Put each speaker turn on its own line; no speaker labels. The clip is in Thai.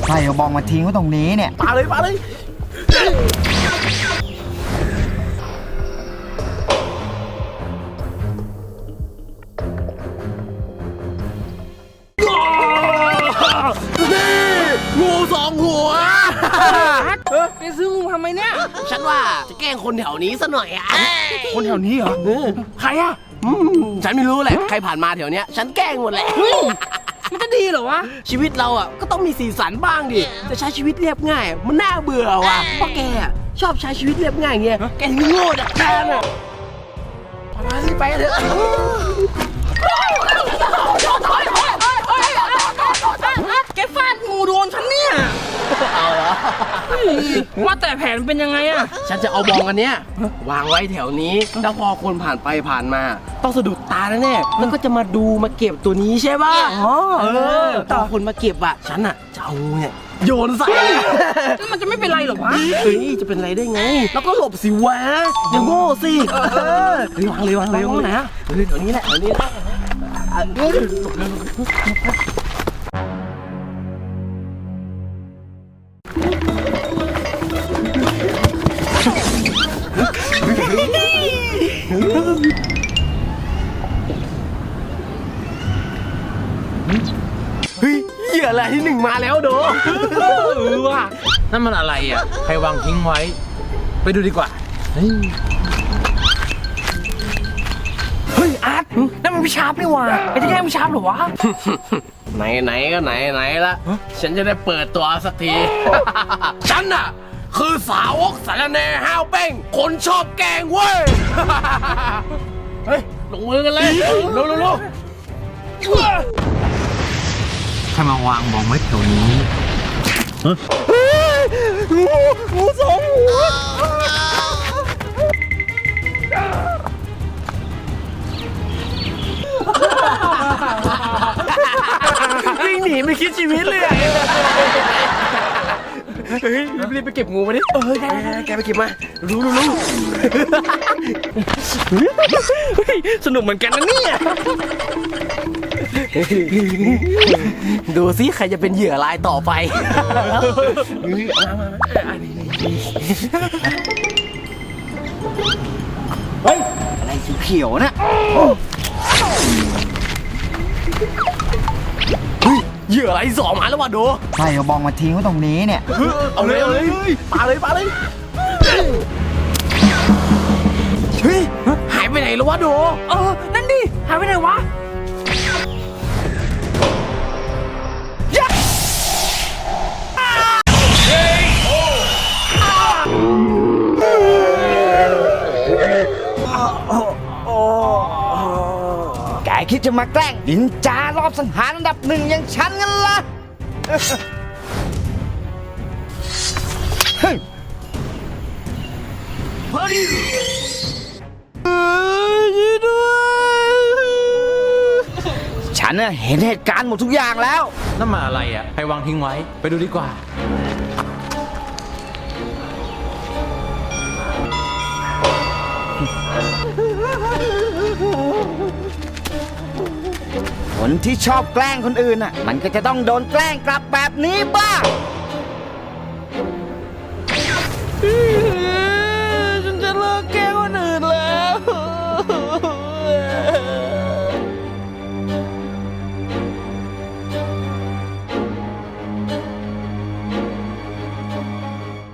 ใครเอาบองมาทิ้งไว้ตรงนี้เนี่ย
ปาเลยงูสองหัว
แกซื้องูทำไมเนี่ย
ฉันว่าจะแกล้งคนแถวนี้ซะหน่อยอ่ะ
คนแถวนี้เหรอใครอ่ะ
ฉันไม่รู้แหละใครผ่านมาแถวเนี้ยฉันแกล้งหมดแหละ
มันจะดีเหรอวะ
ชีวิตเราอ่ะก็ต้องมีสีสันบ้างดิจะใช้ชีวิตเรียบง่ายมันน่าเบื่อว่ะเพราะแกชอบใช้ชีวิตเรียบง่ายเงี้ยแกถึงโง่จากการอ่ะมาสิไปเถอะ
แกฟาดงูโดนฉันเนี่ย
เอาเหรอ
ว่าแต่แผนเป็นยังไงอะ
ฉันจะเอาบองอันเนี้ยวางไว้แถวนี้แล้วพอคนผ่านไปผ่านมาต้องสะดุดตาแน่ๆแล้วก็จะมาดูมาเก็บตัวนี้ใช่ป่ะตอนคนมาเก็บอ่ะฉันอ่ะจะเอาเนี่ยโยนใส่
แล้วมันจะไม่เป็นไรหรอวะ
เฮ้ยจะเป็นไรได้ไงแล้วก็หลบสิวะอย่าโง่สิวางเลยวางนะแถวนี้แหละแถวนี้แหละเฮ้ยเหยื่ออะไรที่หนึ่งมาแล้วโด
ว่ะ
นั่นมันอะไรอ่ะใครวางทิ้งไว้ไปดูดีกว่า
เฮ้ยอาร์ตนั่นมันพี่ชาร์ปนี่หว่าไอ้ที่แกล้งพี่ชาร์ปเหรอวะ
ไหนก็ไหนละฉันจะได้เปิดตัวสักที ฉันน่ะคือสาวกสารแหน่ห้าวเป้งคนชอบแกงเว้ย เฮ้ยลงมือกันเลยเร็ว
ใครมาวางบองไว้แถวนี้
งูสองหัววิ่งหนีไม่คิดชีวิตเลยเฮ้ยรีบไปเก็บงูมาดิแกไปเก็บมารู้สนุกเหมือนกันนะเนี่ยดูสิใครจะเป็นเหยื่อรายต่อไป
เฮ้ยอะไรเขียวๆนะ
เหยื่ออะไรสองมาแล้ววะดู
ใครเอาบองมาทิ้งไว้ตรงนี้เนี่ย
เอาเลยปาเลยเฮ้ยหายไปไหนแล้ววะดู
นั่นดิหายไปไหนวะ
แกคิดจะมาแกล้งดินจารอบสังหารอันดับหนึ่งอย่างฉันงั้นล่ะฉันเห็นเหตุการณ์หมดทุกอย่างแล้ว
นั่นมันอะไรอ่ะใครวางทิ้งไว้ไปดูดีกว่า
คนที่ชอบแกล้งคนอื่นมันก็จะต้องโดนแกล้งกลับแบบนี้บ้าง